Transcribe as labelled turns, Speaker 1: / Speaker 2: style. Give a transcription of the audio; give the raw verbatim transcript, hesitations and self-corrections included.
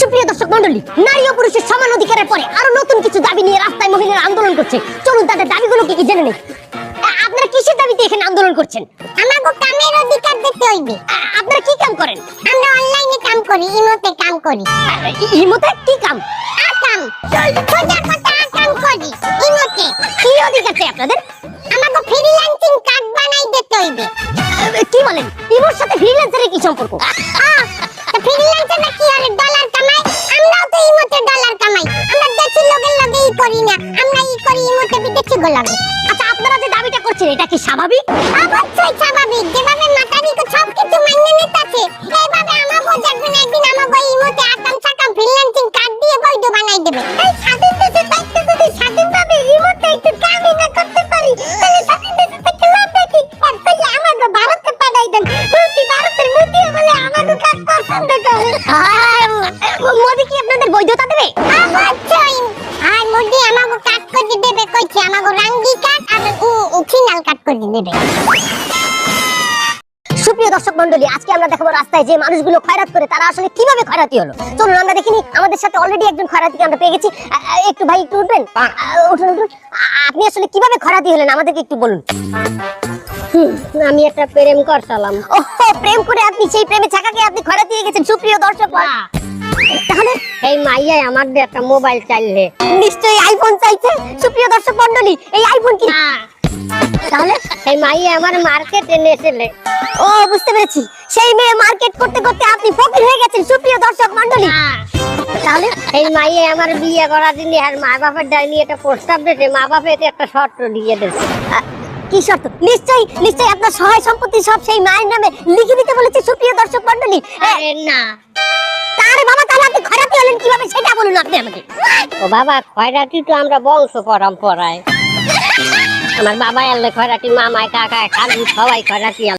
Speaker 1: সুপ্রিয় দর্শক মণ্ডলী, নারী ও পুরুষের সমান অধিকারের পরে আরো নতুন কিছু দাবি নিয়ে রাস্তায় মহিলারা আন্দোলন করছে। চলুন তাদের দাবিগুলো কি কি জেনে নেই। আপনারা কিসের দাবিতে এখানে আন্দোলন করছেন?
Speaker 2: আমাগো কামের অধিকার দিতে হইবে।
Speaker 1: আপনারা কি কাম করেন?
Speaker 2: আমরা অনলাইনে কাম করি, ইমোতে কাম করি।
Speaker 1: ইমোতে কি কাম?
Speaker 2: আকাম সোজা কথা আকাম করি ইমোতে।
Speaker 1: কি অধিকার চাই আপনাদের?
Speaker 2: আমাগো ফ্রিল্যান্সিং কার্ড বানাই দিতে হইবে।
Speaker 1: কি বলেন? ইমোর সাথে ফ্রিল্যান্সারের কি সম্পর্ক?
Speaker 2: তো ফ্রিল্যান্সাররা কি আর ডলার কামায়? আমরাও তো ইমোতে ডলার কামাই। আমরা দেশি লোকের লগে ই করি না, আমরা ই করি ইমোতে বিদেশি গোলাগে।
Speaker 1: আচ্ছা, আপনারা যে দাবিটা করছেন এটা কি স্বাভাবিক?
Speaker 2: অবশ্যই স্বাভাবিক। যেভাবে মাতারিকে সবকিছু মাইনে নিতেছে, এইভাবে আমাগো দেখবেন একদিন আমাগো ইমোতে আকাম সাকাম ফ্রিল্যান্সিং কার্ড দিয়ে বৈধ বানাই দেবে। এই স্বাধীন দেশে থাকতে যদি স্বাধীনভাবে ইমোতে একটু কামই না করতে পারি, তাহলে স্বাধীন দেশে থাকতে লাভ কি? আর তাহলে আমাগো ভারতে পাঠাই দেন। প্রতি ভারতের মোদি বলে আমাগো কাজ পছন্দ করে।
Speaker 1: মোদি কি আপনাদের বৈধতা দেবে?
Speaker 2: অবশ্যই। আর মোদি আমাগো কাজ করে দেবে কইছে, আমাগো রাঙ্গি কার্ড আর ফিনাল কার্ড করে দেবে।
Speaker 1: সুপ্রিয় দর্শক মণ্ডলী, আজকে আমরা দেখাবো রাস্তায় যে মানুষগুলো খয়রাত করে তারা আসলে কিভাবে খয়রাতি হলো। চলুন আমরা দেখিনি। আমাদের সাথে অলরেডি একজন খয়রাতিকে আমরা পেয়ে গেছি। একটু ভাই একটু উঠবেন? উঠুন উঠুন। আপনি আসলে কিভাবে খয়রাতি হলেন আমাদেরকে একটু বলুন।
Speaker 2: আমি একটা প্রেম করছিলাম।
Speaker 1: ওহো, প্রেম করে আপনি সেই প্রেমে ছাকাকে আপনি খয়রাতি হয়ে গেছেন। সুপ্রিয় দর্শক, তাহলে
Speaker 2: এই মাইয়া আমার দিয়ে একটা মোবাইল চাইলে,
Speaker 1: নিশ্চয়ই আইফোন চাইছে। সুপ্রিয় দর্শক মণ্ডলী, এই আইফোন কি?
Speaker 2: তাহলে এই মাইয়া আমার মার্কেটে নেছিলে।
Speaker 1: ও, বুঝতে পেরেছি। সেই মেয়ে মার্কেট করতে করতে আপনি ফকির হয়ে গেছেন। সুপ্রিয় দর্শক মণ্ডলী,
Speaker 2: তাহলে এই মাইয়া আমার বিয়ে করার দিনে আর মা বাপের ডাইনি একটা প্রস্তাব দিয়েছে, মা বাপের একটা শর্ত দিয়ে দিয়েছে।
Speaker 1: কি শর্ত? নিশ্চয়ই নিশ্চয়ই আপনার সহায় সম্পত্তি সব সেই মায়ের নামে লিখে দিতে বলেছে। সুপ্রিয় দর্শক মণ্ডলী,
Speaker 2: আরে না,
Speaker 1: তার বাবা, তাহলে আপনি খয়রাতি হলেন কিভাবে সেটা বলুন আপনি আমাকে।
Speaker 2: ও বাবা, খয়রাতি তো আমরা বংশ পরম্পরায়। আমার বাবা এলে খয়রাতি, মামায় কাকায় খালু সবাই খয়রাতি।